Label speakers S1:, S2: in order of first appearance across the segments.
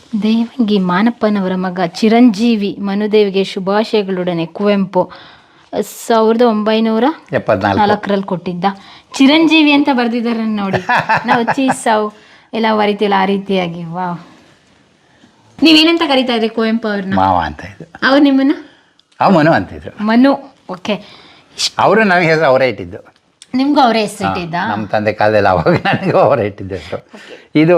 S1: ದೇವಂಗಿ ಮಾನಪ್ಪನವರ ಮಗ ಚಿರಂಜೀವಿ ಮನುದೇವಿಗೆ ಶುಭಾಶಯಗಳೊಡನೆ ಕುವೆಂಪು 1974ರಲ್ಲಿ ಕೊಟ್ಟಿದ್ದ. ಚಿರಂಜೀವಿ ಅಂತ ಬರ್ದಿದ್ದಾರೆ ನೋಡಿ. ನಾವು ಚೀಸಾವ್ ಎಲ್ಲ ಬರಿತೀವಲ್ಲ ಆ ರೀತಿಯಾಗಿ. ವಾವ್. ನೀವೇನಂತ ಕರೀತಾ ಇದ್ರಿ ಕುವೆಂಪು ಅವ್ರನ್ನ?
S2: ಮಾವ ಅಂತ ಇದ್ರು.
S1: ಅವ್ರು ನಿಮ್ಮನ್ನ
S2: ಮನು ಅಂತಿದ್ರು.
S1: ಮನು. ಓಕೆ.
S2: ಅವರು ನನಗೆ ಹೆಸರು ಅವರೇ ಇಟ್ಟಿದ್ದು.
S1: ನಿಮ್ಗೂ ಅವರೇ ಹೆಸರಿಟ್ಟಿದ್ದ?
S2: ನಮ್ಮ ತಂದೆ ಕಾಲದಲ್ಲಿ ಅವಾಗ ನನಗೂ ಅವರೇ ಇಟ್ಟಿದ್ದು ಹೆಸರು. ಇದು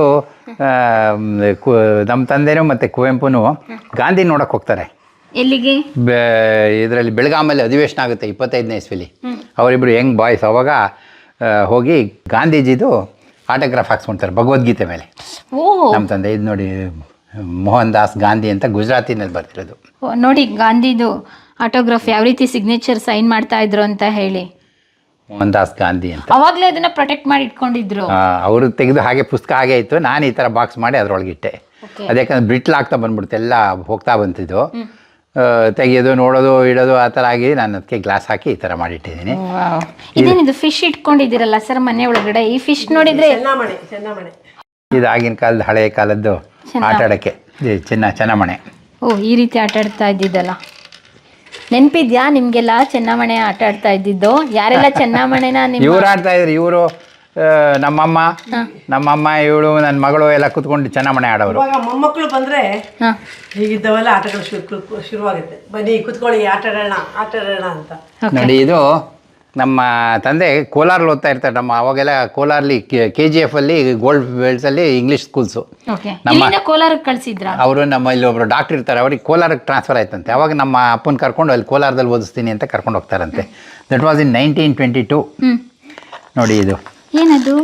S2: ನಮ್ಮ ತಂದೆನೂ ಮತ್ತು ಕುವೆಂಪುನು ಗಾಂಧಿ ನೋಡಕ್ಕೆ ಹೋಗ್ತಾರೆ.
S1: ಎಲ್ಲಿಗೆ?
S2: ಇದರಲ್ಲಿ ಬೆಳಗಾಮಲ್ಲಿ ಅಧಿವೇಶನ ಆಗುತ್ತೆ 25ನೇ ಇಸ್ವಿಲಿ. ಅವರಿಬ್ಬರು ಯಂಗ್ ಬಾಯ್ಸ್. ಅವಾಗ ಹೋಗಿ ಗಾಂಧೀಜಿದು ಆಟೋಗ್ರಾಫ್ ಹಾಕ್ಸ್ಕೊಳ್ತಾರೆ ಭಗವದ್ಗೀತೆ ಮೇಲೆ. ನಮ್ಮ ತಂದೆ ಇದು ನೋಡಿ, ಮೋಹನ್ ದಾಸ್ ಗಾಂಧಿ ಅಂತ ಗುಜರಾತಿನಲ್ಲಿ ಬರ್ತಿರೋದು
S1: ನೋಡಿ. ಗಾಂಧಿದು ಆಟೋಗ್ರಾಫ್ ಯಾವ ರೀತಿ ಸಿಗ್ನೇಚರ್ ಸೈನ್ ಮಾಡ್ತಾ ಇದ್ರು ಅಂತ ಹೇಳಿ.
S2: ಮೋಹನ್ ದಾಸ್ ಗಾಂಧಿ ಅಂತ.
S1: ಅವಾಗಲೇ ಅದನ್ನ ಪ್ರೊಟೆಕ್ಟ್ ಮಾಡಿ ಇಟ್ಕೊಂಡಿದ್ರು.
S2: ಅವರು ತೆಗೆದು ಹಾಗೆ ಪುಸ್ತಕ ಹಾಗೆ ಇತ್ತು. ನಾನು ಈ ಥರ ಬಾಕ್ಸ್ ಮಾಡಿ ಅದರೊಳಗಿಟ್ಟೆ. ಅದ್ಯಾಕಂದ್ರೆ ಬ್ರಿಟ್ಲಾಗ್ತಾ ಬಂದ್ಬಿಡ್ತು, ಎಲ್ಲ ಹೋಗ್ತಾ ಬಂತಿದ್ದು. ತೆಗೆಯೋದು, ನೋಡೋದು, ಇಡೋದು ಆ ಥರ ಆಗಿ ನಾನು ಅದಕ್ಕೆ ಗ್ಲಾಸ್ ಹಾಕಿ ಈ ಥರ ಮಾಡಿಟ್ಟಿದ್ದೀನಿ.
S1: ಇದೇನಿದು ಫಿಶ್ ಇಟ್ಕೊಂಡಿದ್ದೀರಲ್ಲ ಸರ್ ಮನೆ ಒಳಗಡೆ? ಈ ಫಿಶ್ ನೋಡಿದ್ರೆ
S2: ಇದು ಆಗಿನ ಕಾಲದ ಹಳೆಯ ಕಾಲದ್ದು ಆಟ ಆಡೋಕ್ಕೆ ಚೆನ್ನಮಣೆ.
S1: ಓ, ಈ ರೀತಿ ಆಟ ಆಡ್ತಾ ಇದ್ದಿದ್ದಲ್ಲ. ನೆನಪಿದ್ಯಾ ನಿಮ್ಗೆಲ್ಲ ಚೆನ್ನಮಣೆ ಆಟ ಆಡ್ತಾ ಇದ್ದಿದ್ದು? ಯಾರೆಲ್ಲ ಚೆನ್ನಮಣೆನ
S2: ಇವ್ರು ಆಡ್ತಾ ಇದ್ರು. ಇವರು ನಮ್ಮಮ್ಮ ಇವಳು ನನ್ನ ಮಗಳು ಎಲ್ಲ ಕುತ್ಕೊಂಡು ಚೆನ್ನಮಣೆ ಆಡೋರು.
S3: ಮೊಮ್ಮಕ್ಕಳು ಬಂದ್ರೆ ಹೀಗಿದ್ದವೆಲ್ಲ ಆಟಗಳು ಶುರುವಾಗುತ್ತೆ. ಬನ್ನಿ ಕುತ್ಕೊಳ್ಳಿ, ಆಟ ಆಡೋಣ ಅಂತ.
S2: ನೋಡಿ, ಇದು ನಮ್ಮ ತಂದೆ ಕೋಲಾರಲ್ಲಿ ಓದ್ತಾ ಇರ್ತಾರೆ. ಅವಾಗೆಲ್ಲ ಕೋಲಾರಲ್ಲಿ KGF ಅಲ್ಲಿ ಗೋಲ್ಡ್ ಬೆಲ್ಟ್ಸ್ ಅಲ್ಲಿ ಇಂಗ್ಲಿಷ್ ಸ್ಕೂಲ್ಸು.
S1: ಕೋಲಾರಕ್ಕೆ ಕಳ್ಸಿದ್ರ
S2: ಅವರು. ನಮ್ಮ ಇಲ್ಲಿ ಒಬ್ರು ಡಾಕ್ಟರ್ ಇರ್ತಾರೆ, ಅವ್ರಿಗೆ ಕೋಲಾರಕ್ಕೆ ಟ್ರಾನ್ಸ್ಫರ್ ಆಯ್ತಂತೆ. ಅವಾಗ ನಮ್ಮ ಅಪ್ಪನ ಕರ್ಕೊಂಡು ಅಲ್ಲಿ ಕೋಲಾರದಲ್ಲಿ ಓದಿಸ್ತೀನಿ ಅಂತ ಕರ್ಕೊಂಡು ಹೋಗ್ತಾರಂತೆ. That was in 1922. ನೋಡಿ, ಇದು
S1: ಏನದು?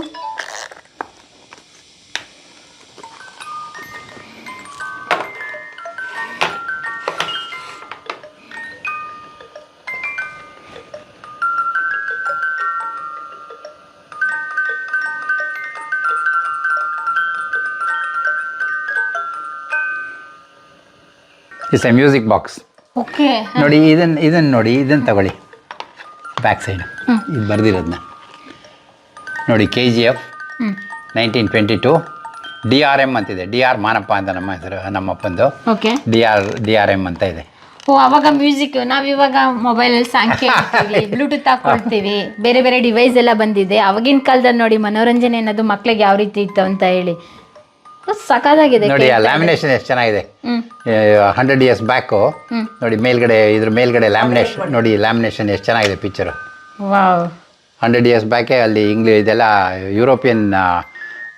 S2: It's a music box.
S1: Okay.
S2: ನೋಡಿ, ಇದನ್ನು ನೋಡಿ, ಇದನ್ನು ತಗೊಳ್ಳಿ. ಬ್ಯಾಕ್ ಸೈಡ್ ಇದು ಬರ್ದಿರೋದನ್ನ ನೋಡಿ. KGF 1922. DRM ಅಂತಿದೆ. DR ಮಾನಪ್ಪ ಅಂತ ನಮ್ಮ ಹೆಸರು, ನಮ್ಮಪ್ಪಂದು. DRM ಅಂತ ಇದೆ.
S1: ಓ, ಅವಾಗ ಮ್ಯೂಸಿಕ್ ನಾವಿವಾಗ ಮೊಬೈಲಲ್ಲಿ ಸಾಂಗ್ ಕೇಳ್ತೀವಿ, ಬ್ಲೂಟೂತ್ ಹಾಕೊಳ್ತೀವಿ, ಬೇರೆ ಬೇರೆ ಡಿವೈಸ್ ಎಲ್ಲ ಬಂದಿದೆ. ಅವಾಗಿನ ಕಾಲದಲ್ಲಿ ನೋಡಿ ಮನೋರಂಜನೆ ಅನ್ನೋದು ಮಕ್ಳಿಗೆ ಯಾವ ರೀತಿ ಇತ್ತು ಅಂತ ಹೇಳಿ. ಸಖತ್ತಾಗಿದೆ
S2: ನೋಡಿ. ಆ ಲ್ಯಾಮಿನೇಷನ್ ಎಷ್ಟು ಚೆನ್ನಾಗಿದೆ. 100 years ಬ್ಯಾಕು ನೋಡಿ. ಮೇಲ್ಗಡೆ ಇದ್ರ ಮೇಲ್ಗಡೆ ಲ್ಯಾಮಿನೇಷನ್ ನೋಡಿ. ಲ್ಯಾಮಿನೇಷನ್ ಎಷ್ಟು ಚೆನ್ನಾಗಿದೆ ಪಿಕ್ಚರು. 100 years ಬ್ಯಾಕೆ ಅಲ್ಲಿ ಇದೆಲ್ಲ ಯುರೋಪಿಯನ್